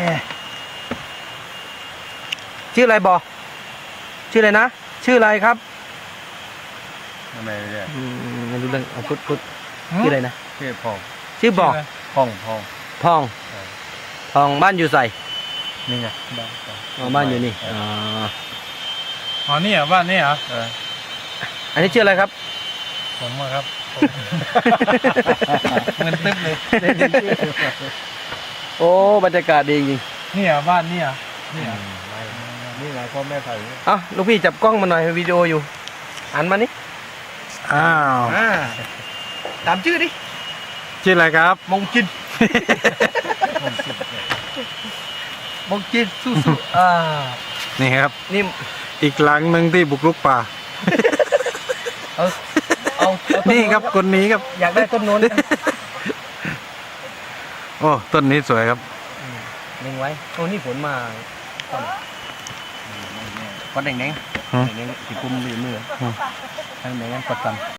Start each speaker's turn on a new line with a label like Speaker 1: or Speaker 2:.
Speaker 1: ชื่ออะไรบอชื่ออะไรนะชื่ออะไรครับ
Speaker 2: ไม่ได้
Speaker 1: ไม่รู้เรื่องเอาพุทธชื่ออะไรนะ
Speaker 2: ชื่อพอง
Speaker 1: ชื่อบอก
Speaker 2: พอง
Speaker 1: ทองทองบ้านอยู่ใส่
Speaker 2: นี่ไง
Speaker 1: บ้านอยู่นี่
Speaker 3: อ๋อนี่เหรอบ้านนี่เหรอ
Speaker 1: อันนี้ชื่ออะไรครับ
Speaker 3: ผมอะครับเงินตึ๊บเลย
Speaker 1: โอ้บรรยากาศดีจริง
Speaker 3: นี่เหรอบ้านนี่เหรอนี่เหรอ
Speaker 2: นี่ไงพ่อแม่ใส่
Speaker 1: เอ้าลูกพี่จับกล้องมาหน่อยวิดีโออยู่อ่านมานี่
Speaker 3: อ้าว
Speaker 1: ตามชื่อดิ
Speaker 3: ชื่ออะไรครับ
Speaker 1: มงจินมงจินสู้ๆ
Speaker 3: นี่ครับ
Speaker 1: นี่
Speaker 3: อีกหลังหนึ่งที่บุกรุกป่า
Speaker 1: เอาต้
Speaker 3: นี่ครับคนนี้ครับ
Speaker 1: อยากได้ต้นโน้น
Speaker 3: โอ้ต้นนี้สวยครับ
Speaker 1: เล็งไว้โอ้นี่ฝนมาก้อนแดงๆแดงๆที่ปุ่มอยู่มือทางไหนกันกดกัน